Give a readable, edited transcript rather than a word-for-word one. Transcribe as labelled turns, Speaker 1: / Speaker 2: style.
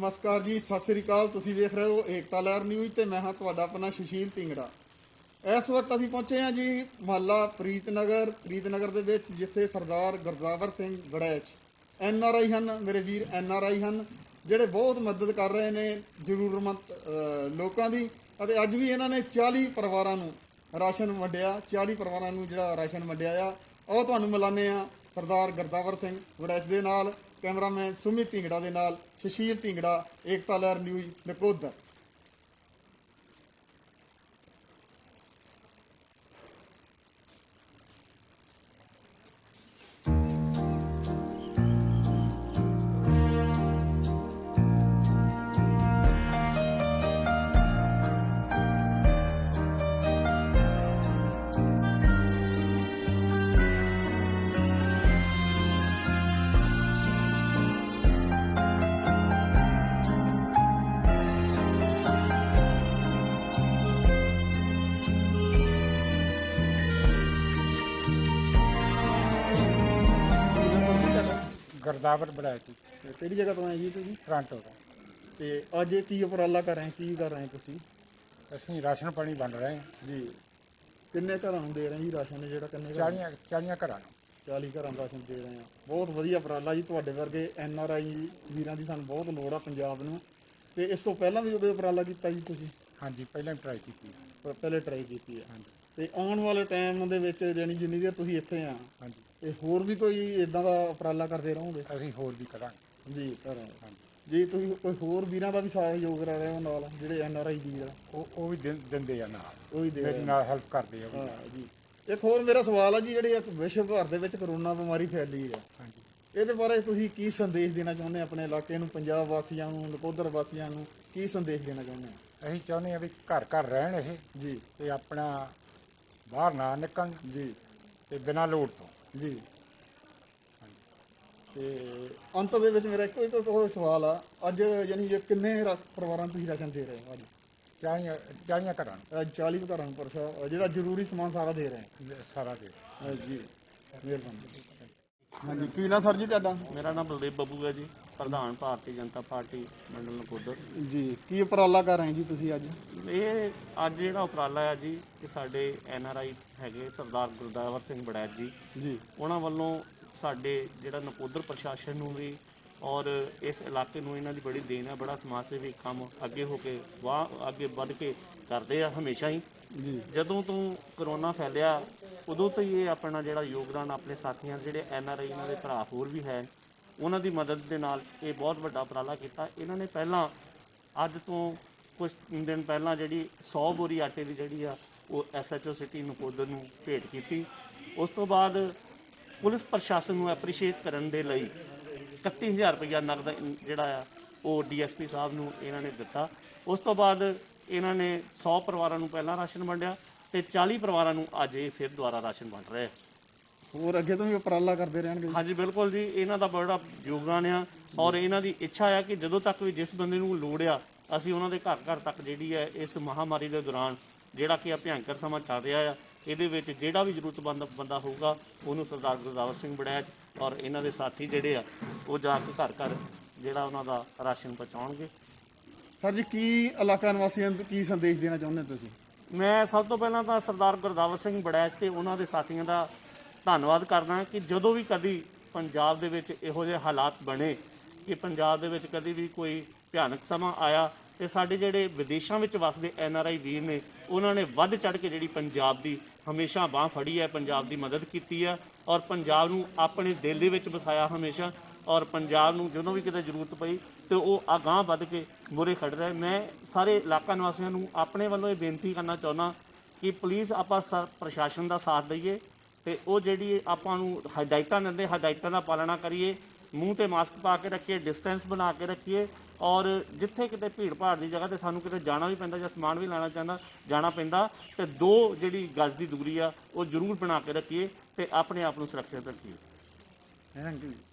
Speaker 1: नमस्कार जी, सत श्री अकाल। तुसीं देख रहे हो एकता लहर न्यूज़ ते मैं हाँ तुहाडा अपना सुशील ढिंगड़ा। इस वक्त असीं पहुंचे हैं जी मुहल्ला प्रीतनगर दे विच, जिथे सरदार गुरदावर सिंह वड़ैच NRI हैं, मेरे वीर NRI हैं, ਜਿਹੜੇ बहुत मदद कर रहे हैं ਜ਼ਰੂਰਤਮੰਦ ਲੋਕਾਂ ਦੀ। ਅਤੇ ਅੱਜ ਵੀ ਇਹਨਾਂ ਨੇ 40 ਪਰਿਵਾਰਾਂ ਨੂੰ ਰਾਸ਼ਨ ਵੰਡਿਆ। 40 ਪਰਿਵਾਰਾਂ ਨੂੰ ਜਿਹੜਾ ਰਾਸ਼ਨ ਵੰਡਿਆ ਆ, ਉਹ ਤੁਹਾਨੂੰ ਮਿਲਾਨੇ ਆ ਸਰਦਾਰ ਗੁਰਦਾਵਰ ਸਿੰਘ ਵੜੈਚ ਦੇ ਨਾਲ, कैमरामैन सुमित ढिंगड़ा दे नाल सुशील ढिंगड़ा, एकता लहर न्यूज़ नकोदर।
Speaker 2: गुरदावर वड़ैच
Speaker 1: ਕਿਹੜੀ ਜਗ੍ਹਾ ਤੋਂ ਆਏ ਜੀ ਤੁਸੀਂ?
Speaker 2: टोरंटो का।
Speaker 1: ਤੇ ਅੱਜ ਕੀ ਉਪਰਾਲਾ ਕਰ ਰਹੇ, ਕੀ ਕਰ ਰਹੇ ਤੁਸੀਂ?
Speaker 2: ਅਸੀਂ ਰਾਸ਼ਨ ਪਾਣੀ ਵੰਡ ਰਹੇ ਹਾਂ
Speaker 1: ਜੀ ਕਿੰਨੇ ਘਰਾਂ ਨੂੰ ਦੇ ਰਹੇ ਜੀ ਰਾਸ਼ਨ? ਜਿਹੜਾ ਕਿੰਨੇ
Speaker 2: 40 ਘਰਾਂ ਨੂੰ
Speaker 1: 40 ਘਰਾਂ ਦਾ ਰਾਸ਼ਨ ਦੇ ਰਹੇ ਆ। ਬਹੁਤ ਵਧੀਆ ਉਪਰਾਲਾ ਜੀ। ਤੁਹਾਡੇ ਵਰਗੇ NRI ਵੀਰਾਂ ਦੀ ਸਾਨੂੰ ਬਹੁਤ ਲੋੜ ਆ ਪੰਜਾਬ ਨੂੰ। ਤੇ ਇਸ ਤੋਂ ਪਹਿਲਾਂ ਵੀ ਕੋਈ ਉਪਰਾਲਾ ਕੀਤਾ ਜੀ ਤੁਸੀਂ?
Speaker 2: ਹਾਂਜੀ, ਪਹਿਲਾਂ ਟਰਾਈ ਕੀਤੀ।
Speaker 1: ਪਹਿਲੇ ਟਰਾਈ ਕੀਤੀ ਆ।
Speaker 2: ਹਾਂਜੀ
Speaker 1: ਤੇ ਆਉਣ ਵਾਲੇ ਟਾਈਮ ਦੇ ਵਿੱਚ ਯਾਨੀ ਜਿੰਨੀ ਦੇਰ ਤੁਸੀਂ ਇੱਥੇ ਆ,
Speaker 2: ਹਾਂਜੀ,
Speaker 1: ਤੇ ਹੋਰ ਵੀ ਕੋਈ ਇਦਾਂ ਦਾ ਉਪਰਾਲਾ ਕਰਦੇ ਰਹੋਗੇ?
Speaker 2: ਅਸੀਂ ਹੋਰ ਵੀ ਕਰਾਂਗੇ
Speaker 1: ਜੀ ਕਰ ਰਹੇ।
Speaker 2: ਹਾਂਜੀ।
Speaker 1: ਜੀ ਤੁਸੀਂ ਕੋਈ ਹੋਰ ਵੀਰਾਂ ਦਾ ਵੀ ਸਹਿਯੋਗ ਕਰ ਰਹੇ ਹੋ ਨਾਲ, ਜਿਹੜੇ NRI ਵੀਰ ਆ?
Speaker 2: ਉਹ ਵੀ ਦਿੰਦੇ ਆ ਨਾਲ,
Speaker 1: ਉਹ ਵੀ ਦੇ
Speaker 2: ਮੇਰੇ
Speaker 1: ਰਹੇ
Speaker 2: ਨਾਲ ਹੈਲਪ ਕਰਦੇ ਆ ਉਹ ਵੀ।
Speaker 1: ਹਾਂ ਜੀ। ਇੱਕ ਹੋਰ ਮੇਰਾ ਸਵਾਲ ਆ ਜੀ, ਜਿਹੜੀ ਇੱਕ ਵਿਸ਼ਵ ਭਰ ਦੇ ਵਿੱਚ ਕਰੋਨਾ ਬਿਮਾਰੀ ਫੈਲੀ ਆ,
Speaker 2: ਹਾਂਜੀ,
Speaker 1: ਇਹਦੇ ਬਾਰੇ ਤੁਸੀਂ ਕੀ ਸੰਦੇਸ਼ ਦੇਣਾ ਚਾਹੁੰਦੇ ਆਪਣੇ ਇਲਾਕੇ ਨੂੰ, ਪੰਜਾਬ ਵਾਸੀਆਂ ਨੂੰ, ਨਕੋਦਰ ਵਾਸੀਆਂ ਨੂੰ ਕੀ ਸੰਦੇਸ਼ ਦੇਣਾ ਚਾਹੁੰਦੇ ਆ?
Speaker 2: ਅਸੀਂ ਚਾਹੁੰਦੇ ਆ ਵੀ ਘਰ ਘਰ ਰਹਿਣ ਇਹ,
Speaker 1: ਜੀ
Speaker 2: ਤੇ ਆਪਣਾ ਬਾਹਰ ਨਾ ਨਿਕਲਣ
Speaker 1: ਜੀ
Speaker 2: ਤੇ ਬਿਨਾਂ ਲੋੜ ਤੋਂ।
Speaker 1: ਜੀ। ਤੇ ਅੰਤ ਦੇ ਵਿੱਚ ਮੇਰਾ ਇੱਕੋ ਹੋਰ ਸਵਾਲ ਆ, ਅੱਜ ਯਾਨੀ ਕਿ ਕਿੰਨੇ ਪਰਿਵਾਰਾਂ ਨੂੰ ਤੁਸੀਂ ਰਾਸ਼ਨ ਦੇ ਰਹੇ ਹੋ? ਅੱਜ
Speaker 2: 40 ਘਰਾਂ ਨੂੰ
Speaker 1: ਅੱਜ 40 ਘਰਾਂ ਨੂੰ ਜਿਹੜਾ ਜ਼ਰੂਰੀ ਸਮਾਨ ਸਾਰਾ ਦੇ ਰਹੇ
Speaker 2: ਸਾਰਾ ਦੇ।
Speaker 1: ਜੀ ਮਿਹਰਬਾਨੀ। ਹਾਂਜੀ, ਕੀ ਨਾਂ ਸਰ ਜੀ ਤੁਹਾਡਾ?
Speaker 3: ਮੇਰਾ ਨਾਮ ਬਲਦੇਵ ਬੱਬੂ ਹੈ ਜੀ, ਪ੍ਰਧਾਨ ਭਾਰਤੀ ਜਨਤਾ ਪਾਰਟੀ ਮੰਡਲ ਨਕੋਦਰ।
Speaker 1: ਜੀ ਕੀ ਉਪਰਾਲਾ ਕਰ ਰਹੇ ਜੀ ਤੁਸੀਂ ਅੱਜ?
Speaker 3: ਇਹ ਅੱਜ ਜਿਹੜਾ ਉਪਰਾਲਾ ਹੈ ਜੀ, ਕਿ ਸਾਡੇ NRI ਹੈਗੇ ਸਰਦਾਰ ਗੁਰਦਾਵਰ ਸਿੰਘ ਵੜੈਚ ਜੀ,
Speaker 1: ਜੀ
Speaker 3: ਉਹਨਾਂ ਵੱਲੋਂ ਸਾਡੇ ਜਿਹੜਾ ਨਕੋਦਰ ਪ੍ਰਸ਼ਾਸਨ ਨੂੰ ਵੀ ਔਰ ਇਸ ਇਲਾਕੇ ਨੂੰ ਇਹਨਾਂ ਦੀ ਬੜੀ ਦੇਣ ਹੈ। ਬੜਾ ਸਮਾਜ ਸੇਵੀ ਕੰਮ ਅੱਗੇ ਹੋ ਕੇ ਅੱਗੇ ਵੱਧ ਕੇ ਕਰਦੇ ਆ ਹਮੇਸ਼ਾ ਹੀ।
Speaker 1: ਜੀ
Speaker 3: ਜਦੋਂ ਤੋਂ ਕਰੋਨਾ ਫੈਲਿਆ ਉਦੋਂ ਤੋਂ ਹੀ ਇਹ ਆਪਣਾ ਜਿਹੜਾ ਯੋਗਦਾਨ ਆਪਣੇ ਸਾਥੀਆਂ ਜਿਹੜੇ NRI ਇਹਨਾਂ ਦੇ ਭਰਾ ਹੋਰ ਵੀ ਹੈ, ਉਹਨਾਂ ਦੀ ਮਦਦ ਦੇ ਨਾਲ ਇਹ ਬਹੁਤ ਵੱਡਾ ਉਪਰਾਲਾ ਕੀਤਾ। ਇਹਨਾਂ ਨੇ ਪਹਿਲਾਂ ਅੱਜ ਤੋਂ ਕੁਝ ਦਿਨ ਪਹਿਲਾਂ ਜਿਹੜੀ 100 ਬੋਰੀ ਆਟੇ ਦੀ ਜਿਹੜੀ ਆ ਉਹ SHO ਸਿਟੀ ਨਕੋਦਰ ਨੂੰ ਭੇਟ ਕੀਤੀ। ਉਸ ਤੋਂ ਬਾਅਦ ਪੁਲਿਸ ਪ੍ਰਸ਼ਾਸਨ ਨੂੰ ਐਪਰੀਸ਼ੀਏਟ ਕਰਨ ਦੇ ਲਈ 31000 ਰੁਪਇਆ ਨਗਦ ਜਿਹੜਾ ਆ ਉਹ DSP ਸਾਹਿਬ ਨੂੰ ਇਹਨਾਂ ਨੇ ਦਿੱਤਾ। ਉਸ ਤੋਂ ਬਾਅਦ ਇਹਨਾਂ ਨੇ 100 ਪਰਿਵਾਰਾਂ ਨੂੰ ਪਹਿਲਾਂ ਰਾਸ਼ਨ ਵੰਡਿਆ ਤੇ 40 ਪਰਿਵਾਰਾਂ ਨੂੰ ਅੱਜ ਇਹ ਫਿਰ ਦੁਬਾਰਾ ਰਾਸ਼ਨ ਵੰਡ ਰਹੇ।
Speaker 1: ਹੋਰ ਅੱਗੇ ਤੋਂ ਵੀ ਉਪਰਾਲਾ ਕਰਦੇ ਰਹਿਣਗੇ?
Speaker 3: ਹਾਂਜੀ ਬਿਲਕੁਲ ਜੀ, ਇਹਨਾਂ ਦਾ ਬੜਾ ਯੋਗਦਾਨ ਆ ਔਰ ਇਹਨਾਂ ਦੀ ਇੱਛਾ ਆ ਕਿ ਜਦੋਂ ਤੱਕ ਵੀ ਜਿਸ ਬੰਦੇ ਨੂੰ ਲੋੜ ਆ, ਅਸੀਂ ਉਹਨਾਂ ਦੇ ਘਰ ਘਰ ਤੱਕ ਜਿਹੜੀ ਹੈ ਇਸ ਮਹਾਮਾਰੀ ਦੇ ਦੌਰਾਨ ਜਿਹੜਾ ਕਿ ਭਿਆਨਕ ਸਮਾਂ ਚੱਲ ਰਿਹਾ ਆ, ਇਹਦੇ ਵਿੱਚ ਜਿਹੜਾ ਵੀ ਜ਼ਰੂਰਤਮੰਦ ਬੰਦਾ ਹੋਊਗਾ ਉਹਨੂੰ ਸਰਦਾਰ ਗੁਰਦਾਵਰ ਸਿੰਘ ਵੜੈਚ ਔਰ ਇਹਨਾਂ ਦੇ ਸਾਥੀ ਜਿਹੜੇ ਆ ਉਹ ਜਾ ਕੇ ਘਰ ਘਰ ਜਿਹੜਾ ਉਹਨਾਂ ਦਾ ਰਾਸ਼ਨ ਪਹੁੰਚਾਉਣਗੇ।
Speaker 1: ਸਰ ਜੀ ਕੀ ਇਲਾਕਾ ਨਿਵਾਸੀਆਂ ਨੂੰ ਕੀ ਸੰਦੇਸ਼ ਦੇਣਾ ਚਾਹੁੰਦੇ ਤੁਸੀਂ?
Speaker 3: ਮੈਂ ਸਭ ਤੋਂ ਪਹਿਲਾਂ ਤਾਂ ਸਰਦਾਰ ਗੁਰਦਾਵਰ ਸਿੰਘ ਵੜੈਚ ਤੇ ਉਹਨਾਂ ਦੇ ਸਾਥੀਆਂ ਦਾ ਧੰਨਵਾਦ ਕਰਦਾ ਕਿ ਜਦੋਂ ਵੀ ਕਦੀ ਪੰਜਾਬ ਦੇ ਵਿੱਚ ਇਹੋ ਜਿਹੇ ਹਾਲਾਤ ਬਣੇ ਕਿ ਪੰਜਾਬ ਦੇ ਵਿੱਚ ਕਦੀ ਵੀ ਕੋਈ ਭਿਆਨਕ ਸਮਾਂ ਆਇਆ, ਤੇ ਸਾਡੇ ਜਿਹੜੇ ਵਿਦੇਸ਼ਾਂ ਵਿੱਚ ਵਸਦੇ NRI ਵੀਰ ਨੇ ਉਹਨਾਂ ਨੇ ਵੱਧ ਚੜ੍ਹ ਕੇ ਜਿਹੜੀ ਪੰਜਾਬ ਦੀ ਹਮੇਸ਼ਾ ਬਾਂਹ ਫੜੀ ਹੈ, ਪੰਜਾਬ ਦੀ ਮਦਦ ਕੀਤੀ ਹੈ ਔਰ ਪੰਜਾਬ ਨੂੰ ਆਪਣੇ ਦਿਲ ਦੇ ਵਿੱਚ ਵਸਾਇਆ ਹਮੇਸ਼ਾ। ਔਰ ਪੰਜਾਬ ਨੂੰ ਜਦੋਂ ਵੀ ਕਿਤੇ ਜ਼ਰੂਰਤ ਪਈ ਤੇ ਉਹ ਅਗਾਂਹ ਵੱਧ ਕੇ ਮੂਹਰੇ ਖੜ੍ਹ ਰਿਹਾ। ਮੈਂ ਸਾਰੇ ਇਲਾਕਾ ਨਿਵਾਸੀਆਂ ਨੂੰ ਆਪਣੇ ਵੱਲੋਂ ਇਹ ਬੇਨਤੀ ਕਰਨਾ ਚਾਹੁੰਦਾ ਕਿ ਪਲੀਜ਼ ਆਪਾਂ ਪ੍ਰਸ਼ਾਸਨ ਦਾ ਸਾਥ ਦਈਏ ਤੇ ਉਹ ਜਿਹੜੀ ਆਪਾਂ ਨੂੰ ਹਦਾਇਤਾਂ ਦਿੰਦੇ ਹਦਾਇਤਾਂ ਦਾ ਪਾਲਣਾ ਕਰੀਏ, ਮੂੰਹ ਤੇ ਮਾਸਕ ਪਾ ਕੇ ਰੱਖੀਏ, ਡਿਸਟੈਂਸ ਬਣਾ ਕੇ ਰੱਖੀਏ ਔਰ ਜਿੱਥੇ ਕਿਤੇ ਭੀੜ ਭਾੜ ਦੀ ਜਗ੍ਹਾ ਤੇ ਸਾਨੂੰ ਕਿਤੇ ਜਾਣਾ ਵੀ ਪੈਂਦਾ ਜਾਂ ਸਮਾਨ ਵੀ ਲੈਣਾ ਜਾਣਾ ਪੈਂਦਾ ਤੇ 2 ਜਿਹੜੀ ਗਜ਼ ਦੀ ਦੂਰੀ ਆ ਉਹ ਜ਼ਰੂਰ ਬਣਾ ਕੇ ਰੱਖੀਏ ਤੇ ਆਪਣੇ ਆਪ ਨੂੰ ਸੁਰੱਖਿਅਤ ਰੱਖੀਏ।
Speaker 1: Thank you.